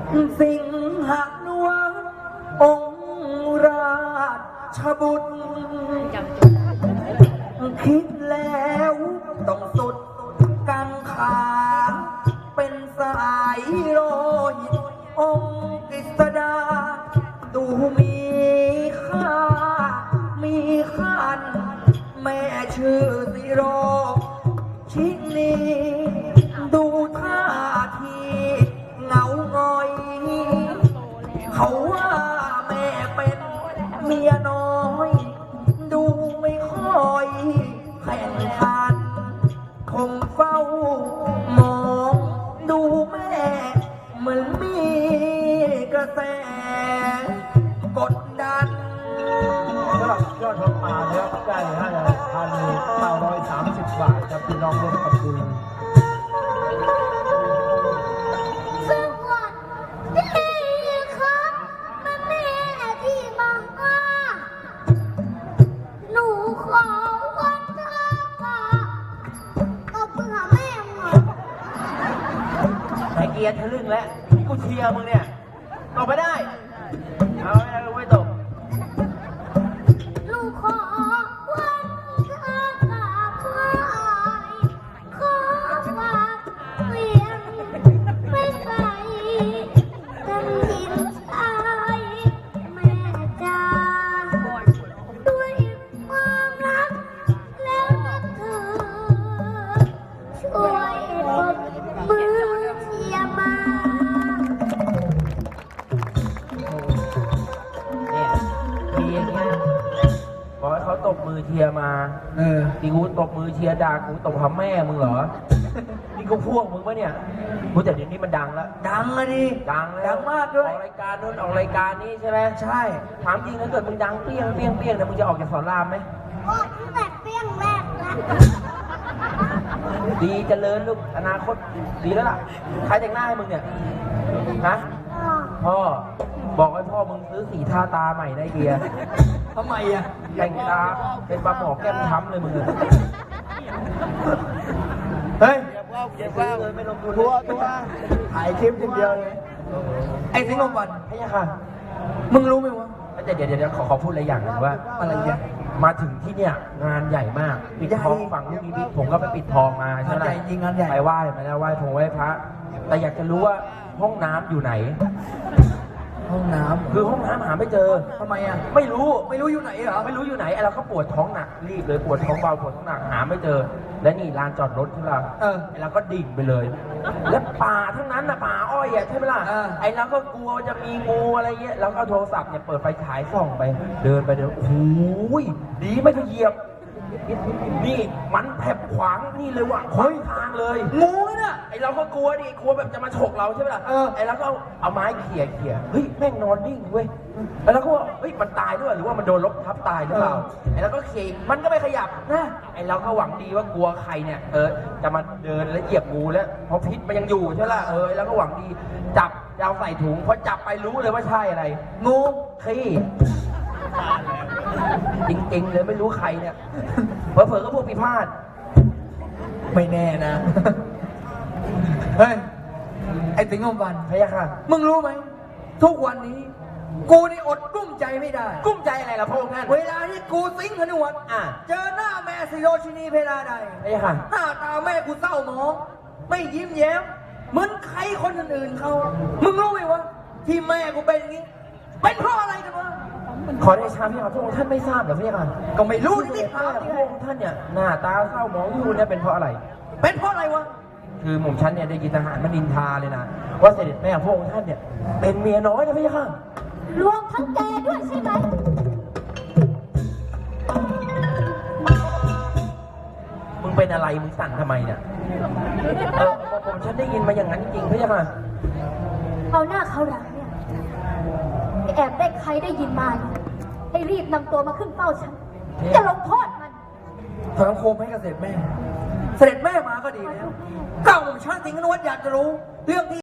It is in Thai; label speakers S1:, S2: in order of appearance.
S1: สิงหนวลองค์ราชบุตรคิดแล้วต้องสุดกังขาเป็นสายโลหิตองค์กฤษดาดูมีค่ามีขันแม่ชื่อสิโรชินีดูท่าทีเหงาง่อยเขาว่าแม่เป็นเมียน้อยดูไม่ค่อยแข่งขันคงเฝ้ามองดูแม่เหมือนมีกระแสกดดัน
S2: สำหรับยอดทองมานะครับได้1,930 บาทครับพี่น้องร่วมทำบุญ
S3: สวัสดีครับแม่ที่มาหนูขอวันเธอค่ะเอาเพื่อแม่หมด
S1: แต่เกียร์ทะลึ่งแล้วกูเชียร์มึงเนี่ยตกไปได้เอาไม่ได้ไม่ตก
S3: ลูกขอวันเธอค่ะเพื่อขอฝากเวียนไม่ไกลกันหินชายแม่จ้าด้วยความรักแล้วนะเธอช่วยปรบมือเชียร์มา
S1: เนี่ยทีอย่างเงี้ยบอกให้เขาตบมือเชียร์มาที่กูตบมือเชียร์ด่ากูตบหาแม่มึงเหรอนี่กูพวกมึงปะเนี่ยกูแต่เดี๋ยวนี้มันดังแล้วดังอะดิดังแล้วดังมากด้วยออกรายการนู้นออกรายการนี้ใช่ไหมใช่ถามจริงถ้าเกิดมึงดังเปี้ยงเปี้ยงเปี้ยงเนี่ยมึงจะออกจากสอนรามไหม
S3: ออกตั้งแต่เปี้ยงแรกแล้ว
S1: ดีเจริญลูกอนาคตดีแล้วล่ะใครแต่งหน้าให้มึงเนี่ยฮะพ่อบอกให้พ่อมึงซื้อสีทาตาใหม่ได้เบียร์ทำไมอ่ะแต่งตาเป็นปลาหมอแก้มช้ำเลยมึงเฮ้ยเก็บว่าวเลยไม่ลงทุนตัวถ่ายคลิปอย่างเดียวเลยไอ้สิงห์วันใช่ค่ะมึงรู้ไหมวะเดี๋ยวขอพูดอะไรอย่างหนึ่งว่าอะไรเนี่ยมาถึงที่เนี่ยงานใหญ่มากปิดทองฝั่งลูกนิมิตผมก็ไปปิดทองมาใช่ไหมงานใหญ่ไปไหว้มาแล้วไหว้พงไหว้พระแต่อยากจะรู้ว่าห้องน้ำอยู่ไหนห้องน้ำคือห้องน้ำหาไม่เจอทำไมอ่ะไม่รู้อยู่ไหนเหรอไม่รู้อยู่ไหนไอ้เราก็ปวดท้องหนักรีบเลยปวดท้องเบาปวดท้องหนักหาไม่เจอและนี่ลานจอดรถที่เราไอ้เราก็ดิ่งไปเลยและป่าทั้งนั้นนะป่าอ้อยอ่ะใช่ไหมล่ะไอ้เราก็กลัวจะมีงูอะไรเงี้ยเราก็โทรศัพท์เนี่ยเปิดไฟฉายส่องไปเดินไปโอ้โหดีไม่ไปเหยียบนี่มันแผบขวางนี่เลยว่ะขวางทางเลยงูเนี่ยไอเราก็กลัวดิกลัวแบบจะมาฉกเราใช่ไหมล่ะไอเราก็เอาไม้เขี่ยเฮ้ยแม่งนอนนิ่งเว้ยแล้วเราก็ว่าเฮ้ยมันตายด้วยหรือว่ามันโดนรถทับตายหรือเปล่าไอเราก็เขี่ยมันก็ไม่ขยับนะไอเราก็หวังดีว่ากลัวใครเนี่ยจะมาเดินแล้วเหยียบงูแล้วเพราะพิษมันยังอยู่ใช่ไหมล่ะแล้วก็หวังดีจับเอาใส่ถุงพอจับไปรู้เลยว่าใช่อะไรงูขี้จริงๆเลยไม่รู้ใครเนี่ยเผลอๆก็พวกพิพาทไม่แน่นะเฮ้ยไอ้สิงห์วันพะยะค่ะมึงรู้ไหมทุกวันนี้กูนี่อดกุ้มใจไม่ได้กุ้มใจอะไรล่ะพระองค์ท่านเวลาที่กูสิงห์นวลเจอหน้าแม่สิโรชินีเพลาใดพะยะค่ะหน้าตาแม่กูเศร้าหมองไม่ยิ้มแย้มเหมือนใครคนอื่นๆเขามึงรู้ไหมวะที่แม่กูเป็นอย่างนี้เป็นเพราะอะไรกันวะขอได้ชาพี่ครับพระองค์ท่านไม่ทราบเหรอพี่ครับก็ไม่รู้ที่พระองค์ท่านเนี่ยหน้าตาเศร้าหมองอยู่เนี่ยเป็นเพราะอะไรเป็นเพราะอะไรวะคือหม่อมฉันเนี่ยได้ยินทหารมานินทาเลยนะว่าเสด็จแม่พระองค์ท่านเนี่ยเป็นเมียน้อยนะพี่ครับ
S3: รวมทั้งแกด้วยใช่ไหม
S1: มึงเป็นอะไรมึงสั่นทำไมเนี่ยผมฉันได้ยินมาอย่างนั้นจริงพี่ครับ
S3: เอาหน้าเขาหลังเนี่ยแอบได้ใครได้ยินมาให้รีบนำตัวมาขึ้นเฝ้าฉันจะลงโทษมัน
S1: ถอนโคมให้กับเสด็จแม่มาก็ดีแล้วเก้าหม่อมฉันสิงห์นวลอยากจะรู้เรื่องที่